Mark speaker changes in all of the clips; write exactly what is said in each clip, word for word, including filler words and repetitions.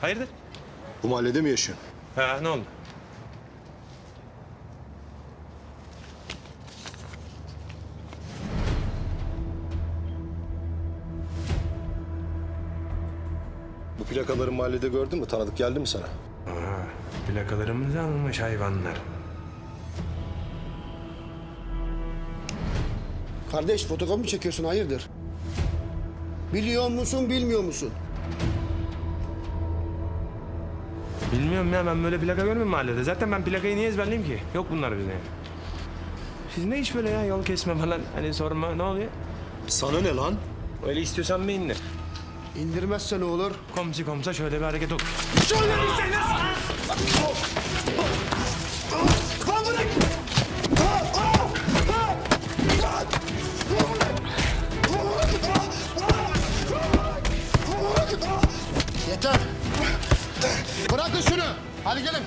Speaker 1: Hayırdır?
Speaker 2: Bu mahallede mi yaşıyorsun?
Speaker 1: Ha, ne oldu?
Speaker 2: Bu plakaları mahallede gördün mü? Tanıdık geldi mi sana?
Speaker 1: Aa, plakalarımızı almış hayvanlar.
Speaker 3: Kardeş fotokopi mi çekiyorsun hayırdır? Biliyor musun bilmiyor musun?
Speaker 1: Bilmiyorum ya, ben böyle plaka görmüyorum mahallede. Zaten ben plakayı niye ezberleyeyim ki? Yok bunlar bizde. Siz ne iş böyle ya, yol kesme falan, hani sorma, ne oluyor?
Speaker 2: Sana ne lan?
Speaker 1: Öyle istiyorsan bir indir.
Speaker 3: İndirmezse ne olur?
Speaker 1: Komsi komsa şöyle bir hareket ol.
Speaker 3: Yeter. Bırakın şunu. Hadi gelin.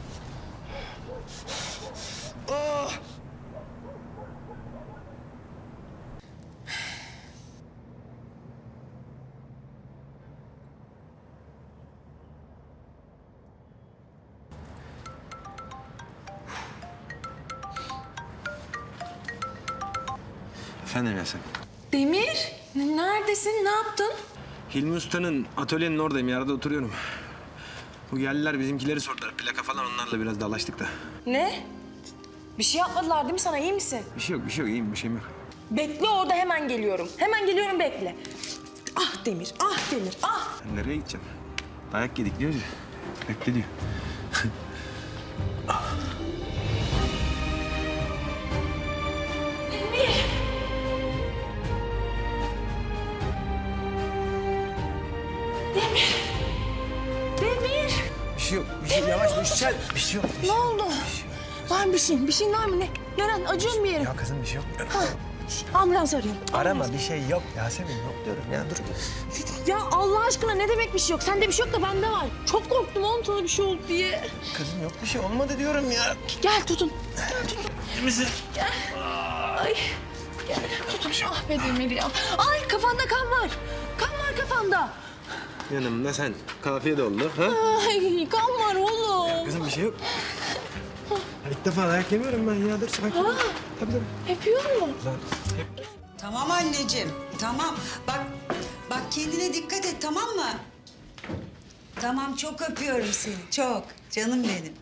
Speaker 1: Efendim Yasemin.
Speaker 4: Demir, n- neredesin? Ne yaptın?
Speaker 1: Hilmi Usta'nın atölyenin oradayım, yerde oturuyorum. Bu geldiler, bizimkileri sordular. Plaka falan, onlarla biraz dalaştık da.
Speaker 4: Ne? Bir şey yapmadılar değil mi sana? İyi misin?
Speaker 1: Bir şey yok, bir şey yok. İyiyim, bir şeyim yok.
Speaker 4: Bekle orada, hemen geliyorum. Hemen geliyorum, bekle. Ah Demir, ah Demir, ah!
Speaker 1: Ben nereye gideceğim? Dayak yedik diyoruz ya. Bekle diyor.
Speaker 4: Demir! Demir! Demir!
Speaker 1: Bir şey yok, bir şey yavaş düşeceksin. Bir şey yok. Bir
Speaker 4: Ne
Speaker 1: şey
Speaker 4: oldu? Var mı bir şeyin? Bir şeyin var mı? Ne? Neren? Acıyor mu bir yerim?
Speaker 1: Ya kızım bir şey yok.
Speaker 4: Ha, ambulans arıyorum.
Speaker 1: Arama, bir şey yok. Yasemin yok diyorum ya, dur.
Speaker 4: Ya Allah aşkına ne demek bir şey yok? Sende bir şey yok da bende var. Çok korktum oğlum sana bir şey oldu diye.
Speaker 1: Kızım yok bir şey olmadı diyorum ya.
Speaker 4: Gel tutun. Gel tutun.
Speaker 1: İyi misin?
Speaker 4: Ay. Gel tutun. Ah be Demir ya. Ay kafanda kan var. Kan var kafanda.
Speaker 1: Yanımda sen. Kafiye de oldu. Ha?
Speaker 4: Ay kan var oğlum.
Speaker 1: Kızım bir şey yok. Ya İlk defa dayak yemiyorum ben ya. Dur sakin ol. Tabii tabii.
Speaker 4: Yapıyor mu?
Speaker 1: Lan,
Speaker 5: Tamam anneciğim, tamam. Bak, bak kendine dikkat et, tamam mı? Tamam, çok öpüyorum seni, çok. Canım benim.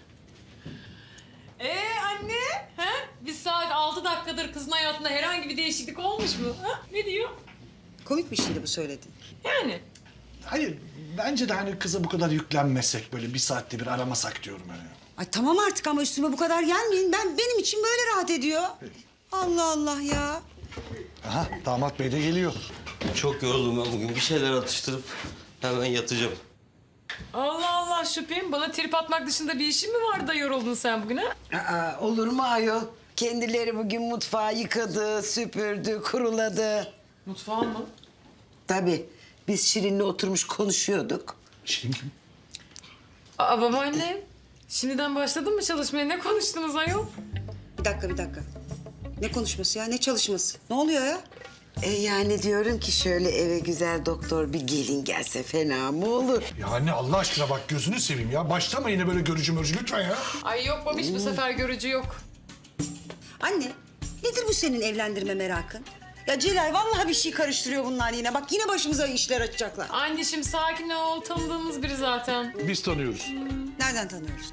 Speaker 6: Ee anne, ha? Biz saat altı dakikadır kızın hayatında herhangi bir değişiklik olmuş mu? Ha? Ne diyor?
Speaker 5: Komik bir şeydi bu söylediğin.
Speaker 6: Yani.
Speaker 7: Hayır, bence de hani kıza bu kadar yüklenmesek, böyle bir saatte bir aramasak diyorum hani.
Speaker 5: Ay tamam artık ama üstüme bu kadar gelmeyin. Ben benim için böyle rahat ediyor. Allah Allah ya.
Speaker 7: Aha, damat bey de geliyor.
Speaker 8: Çok yoruldum ben bugün. Bir şeyler atıştırıp hemen yatacağım.
Speaker 6: Allah Allah şüphem. Bana trip atmak dışında bir işin mi vardı da yoruldun sen bugün ha?
Speaker 9: Aa, olur mu ayol? Kendileri bugün mutfağı yıkadı, süpürdü, kuruladı.
Speaker 6: Mutfağın mı?
Speaker 9: Tabii biz Şirin'le oturmuş konuşuyorduk.
Speaker 7: Şirin kim?
Speaker 6: Aa babaanne. Şimdiden başladın mı çalışmaya? Ne konuştunuz ayol?
Speaker 5: Bir dakika, bir dakika. Ne konuşması ya, ne çalışması? Ne oluyor ya?
Speaker 9: E yani diyorum ki şöyle eve güzel doktor bir gelin gelse fena mı olur?
Speaker 7: Ya anne Allah aşkına bak gözünü seveyim ya. Başlama yine böyle görücü mörcü lütfen ya.
Speaker 6: Ay yok babiş bu sefer görücü yok.
Speaker 5: Anne, nedir bu senin evlendirme merakın? Ya Celal, vallahi bir şey karıştırıyor bunlar yine. Bak yine başımıza işler açacaklar.
Speaker 6: Anneciğim sakin ol. Tanıdığımız biri zaten.
Speaker 7: Biz tanıyoruz.
Speaker 5: Nereden tanıyoruz?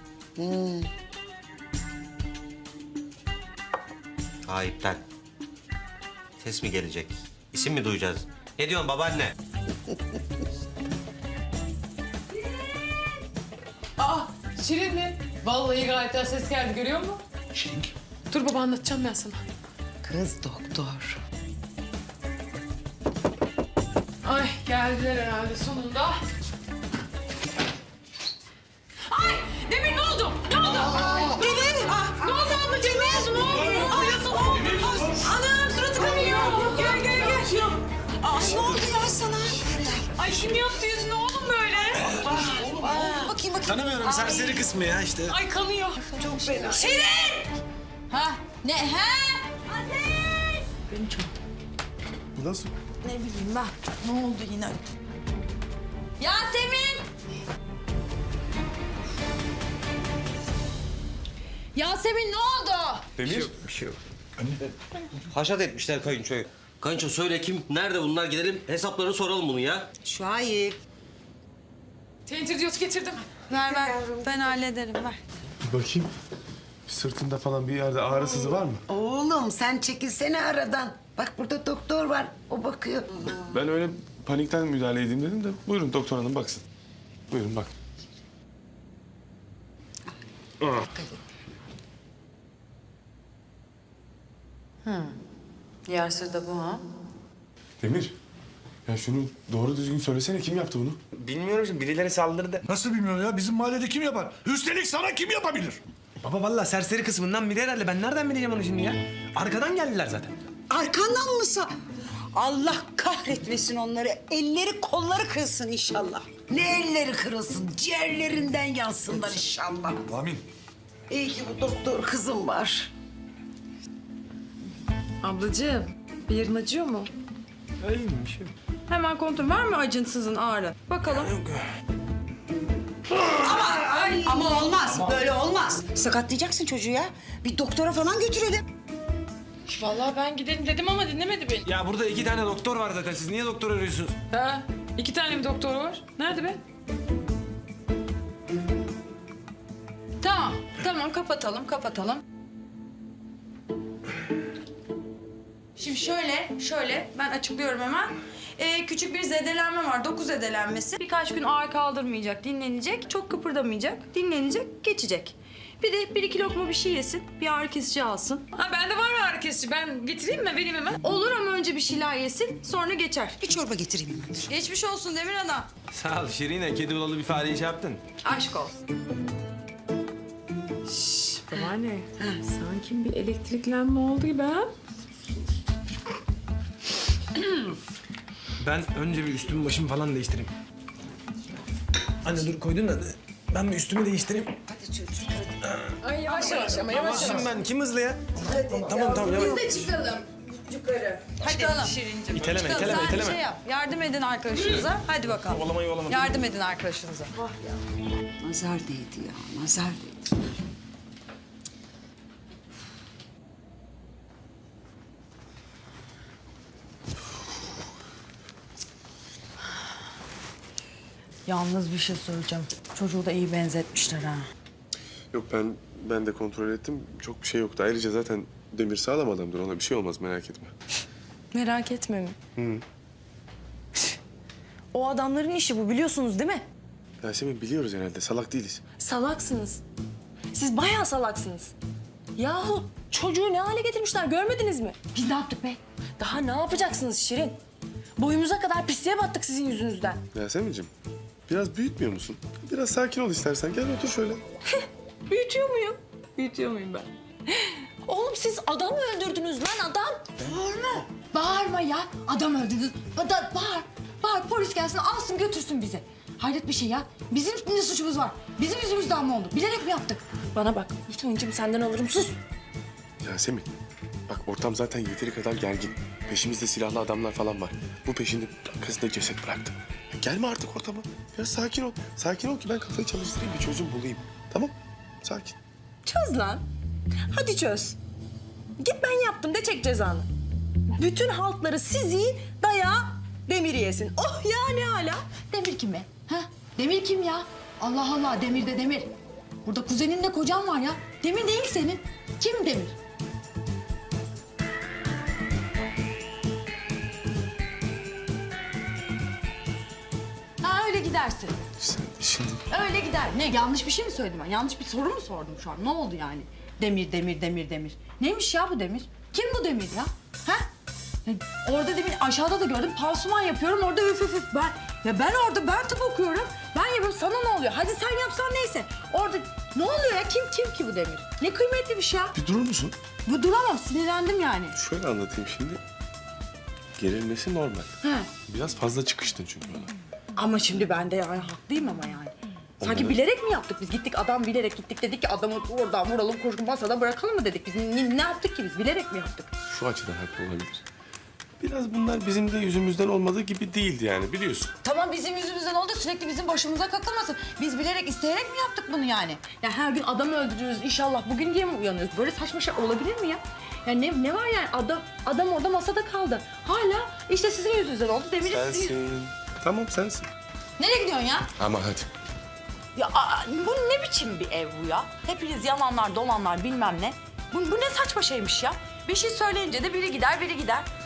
Speaker 8: Ayıptan. Ses mi gelecek? İsim mi duyacağız? Ne diyorsun babaanne?
Speaker 6: Aa Şirin mi? Vallahi gayet güzel ses geldi görüyor musun?
Speaker 7: Şirin kim?
Speaker 6: Dur baba anlatacağım ben sana.
Speaker 9: Kız doktor.
Speaker 6: Ay geldiler herhalde sonunda. Ay Demir ne oldu? Ne oldu? Demir! Ah, ne oldu ablacığım? Ne oldu? Ne oldu? Ay nasıl oldu? Anam suratı kanıyor. Gel gel gel.
Speaker 5: Ay ne oldu ya sana?
Speaker 6: Ay kim yaptı yüzünü oğlum böyle?
Speaker 5: Bakayım bakayım.
Speaker 1: Tanımıyorum, serseri kısmı ya işte.
Speaker 6: Ay kanıyor. Çok fena. Şirin!
Speaker 4: Ha? Ne? Ha?
Speaker 7: Bu nasıl?
Speaker 4: Ne bileyim ben. Ne oldu yine? Yasemin! Yasemin ne oldu?
Speaker 1: Demir. Bir şey yok.
Speaker 8: Haşat etmişler kayınçoyu. Kayınço söyle kim, nerede bunlar, gidelim hesaplarını soralım bunu ya.
Speaker 5: Şahip.
Speaker 6: Tentir diyot getirdim.
Speaker 5: Ver ver. Ben hallederim ver.
Speaker 2: Bakayım. Sırtında falan bir yerde ağrı sızı var mı?
Speaker 9: Oğlum sen çekilsene aradan. Bak burada doktor var. O bakıyor.
Speaker 2: Ben öyle panikten müdahale edeyim dedim de buyurun doktor hanım baksın. Buyurun bak.
Speaker 4: Yersiz de bu ha.
Speaker 2: Demir. Ya şunu doğru düzgün söylesene kim yaptı bunu?
Speaker 1: Bilmiyorum şimdi birileri saldırdı.
Speaker 7: Nasıl bilmiyorum ya? Bizim mahallede kim yapar? Üstelik sana kim yapabilir?
Speaker 1: Baba vallahi serseri kısmından biri herhalde. Ben nereden bileceğim onu şimdi ya? Arkadan geldiler zaten.
Speaker 5: Arkandan mı sa... Allah kahretmesin onları. Elleri kolları kırılsın inşallah.
Speaker 9: Ne elleri kırılsın, ciğerlerinden yansınlar inşallah.
Speaker 7: Amin.
Speaker 9: İyi ki bu doktor kızım var.
Speaker 4: Ablacığım bir yerin acıyor mu?
Speaker 1: Öyle mi bir şey yok.
Speaker 4: Hemen kontrol var mı acınsızın ağrı? Bakalım.
Speaker 5: Ama olmaz. Böyle olmaz. Sakatlayacaksın çocuğu ya. Bir doktora falan götürelim.
Speaker 6: Vallahi ben gidelim dedim ama dinlemedi beni.
Speaker 1: Ya burada iki tane doktor var zaten. Siz niye doktor arıyorsunuz?
Speaker 6: Ha, iki tane bir doktor var. Nerede be?
Speaker 4: Tamam, tamam kapatalım, kapatalım. Şimdi şöyle, şöyle ben açıklıyorum hemen. Ee, küçük bir zedelenme var, doku zedelenmesi. Birkaç gün ağır kaldırmayacak, dinlenecek, çok kıpırdamayacak, dinlenecek, geçecek. Bir de bir iki lokma bir şey yesin, bir ağrı kesici alsın.
Speaker 6: Ha bende var mı ağrı kesici? Ben getireyim mi? Vereyim hemen.
Speaker 4: Olur ama önce bir şeyler yesin, sonra geçer.
Speaker 5: Bir çorba getireyim hemen.
Speaker 4: Geçmiş olsun Demir Ana.
Speaker 1: Sağ ol Şirine. Kedi bulalı bir fareyi şey yaptın.
Speaker 4: Aşk olsun.
Speaker 6: Babaanne, sanki bir elektriklenme oldu gibi ha?
Speaker 1: Ben önce bir üstümü başımı falan değiştireyim. Anne dur koydun da ben bir üstümü değiştireyim.
Speaker 6: Ay yavaş yavaş ama yavaş yavaş.
Speaker 1: Şimdi ben kim hızlı ya? Tamam tamam yavaş.
Speaker 4: de çıkalım. Yukarı. Hadi çıkalım.
Speaker 6: Şirincim.
Speaker 1: İteleme
Speaker 4: Çıkalım.
Speaker 1: iteleme
Speaker 4: Sen
Speaker 1: iteleme.
Speaker 4: şey yap. Yardım edin arkadaşınıza. Hadi bakalım.
Speaker 1: Yovalama yovalama.
Speaker 4: Yardım edin arkadaşınıza.
Speaker 5: Nazar değdi ya. Nazar değdi.
Speaker 4: Yalnız bir şey söyleyeceğim. Çocuğu da iyi benzetmişler ha.
Speaker 2: Yok ben ben de kontrol ettim. Çok bir şey yoktu. Ayrıca zaten Demir sağlam adamdır. Ona bir şey olmaz merak etme.
Speaker 10: Merak etme mi? O adamların işi bu biliyorsunuz değil mi?
Speaker 2: Yasemin biliyoruz herhalde. Salak değiliz.
Speaker 10: Salaksınız. Siz bayağı salaksınız. Yahu çocuğu ne hale getirmişler görmediniz mi? Biz ne yaptık be? Daha ne yapacaksınız Şirin? Boyumuza kadar pisliğe battık sizin yüzünüzden.
Speaker 2: Yasemin'cim biraz büyütmüyor musun? Biraz sakin ol istersen. Gel otur şöyle.
Speaker 10: Büyütüyor muyum? Büyütüyor muyum ben? Oğlum siz adam mı öldürdünüz lan adam?
Speaker 4: Bağırma. Bağırma ya. Adam öldürdün. Adam bağır. Bağır polis gelsin alsın götürsün bizi. Hayret bir şey ya. Bizim ne suçumuz var? Bizim yüzümüzden mi oldu? Bilerek mi yaptık?
Speaker 10: Bana bak. Lütfen incim senden alırım sus.
Speaker 2: Yasemin bak ortam zaten yeteri kadar gergin. Peşimizde silahlı adamlar falan var. Bu peşinde kızı da ceset bıraktı. Ya gelme artık ortama. Biraz sakin ol. Sakin ol ki ben kafayı çalıştırayım bir çözüm bulayım. Tamam? Sakin.
Speaker 10: Çöz lan. Hadi çöz. Git ben yaptım de çek cezanı. Bütün halkları sizi dayağı Demir yesin. Oh ya ne hala.
Speaker 4: Demir kim be? Ha? Demir kim ya? Allah Allah Demir de Demir. Burada kuzeninle kocan var ya. Demir değil senin. Kim Demir? Ha öyle gidersin.
Speaker 2: Sen şimdi
Speaker 4: Öyle gider. Ne yanlış bir şey mi söyledim ben? Yanlış bir soru mu sordum şu an? Ne oldu yani? Demir, demir, demir, demir. Neymiş ya bu demir? Kim bu demir ya? Ha? Ya orada demin aşağıda da gördüm. Pansuman yapıyorum. Orada üf üf üf. Ben, ya ben orada ben tıp okuyorum. Ben yapıyorum. Sana ne oluyor? Hadi sen yapsan neyse. Orada ne oluyor ya? Kim kim ki bu demir? Ne kıymetli bir şey ya.
Speaker 2: bir durur musun?
Speaker 4: Bu duramam. Sinirlendim yani.
Speaker 2: Şöyle anlatayım şimdi. Gerilmesi normal.
Speaker 4: He.
Speaker 2: Biraz fazla çıkıştın çünkü ona.
Speaker 10: Ama şimdi ben de yani haklıyım ama yani. Sanki
Speaker 2: Onları-
Speaker 10: bilerek mi yaptık biz? Gittik adam bilerek gittik dedik ki adamı oradan vuralım koşun masada bırakalım mı dedik? Biz ne, ne yaptık ki biz? Bilerek mi yaptık?
Speaker 2: Şu açıdan haklı olabilir. biraz bunlar bizim de yüzümüzden olmadığı gibi değildi yani biliyorsun.
Speaker 4: Tamam bizim yüzümüzden oldu sürekli bizim başımıza kakılmasın. Biz bilerek isteyerek mi yaptık bunu yani? Ya her gün adam öldürüyoruz inşallah bugün diye mi uyanıyoruz? Böyle saçma şey olabilir mi ya? Ya ne, ne var yani adam adam orada masada kaldı. Hala işte sizin yüzünüzden oldu Demir'in sizin...
Speaker 2: Sensin. Tamam sensin.
Speaker 4: Nereye gidiyorsun ya?
Speaker 2: Ama hadi.
Speaker 6: Ya aa, bu ne biçim bir ev bu ya? Hepiniz yalanlar dolanlar bilmem ne. Bu, bu ne saçma şeymiş ya? Bir şey söyleyince de biri gider biri gider.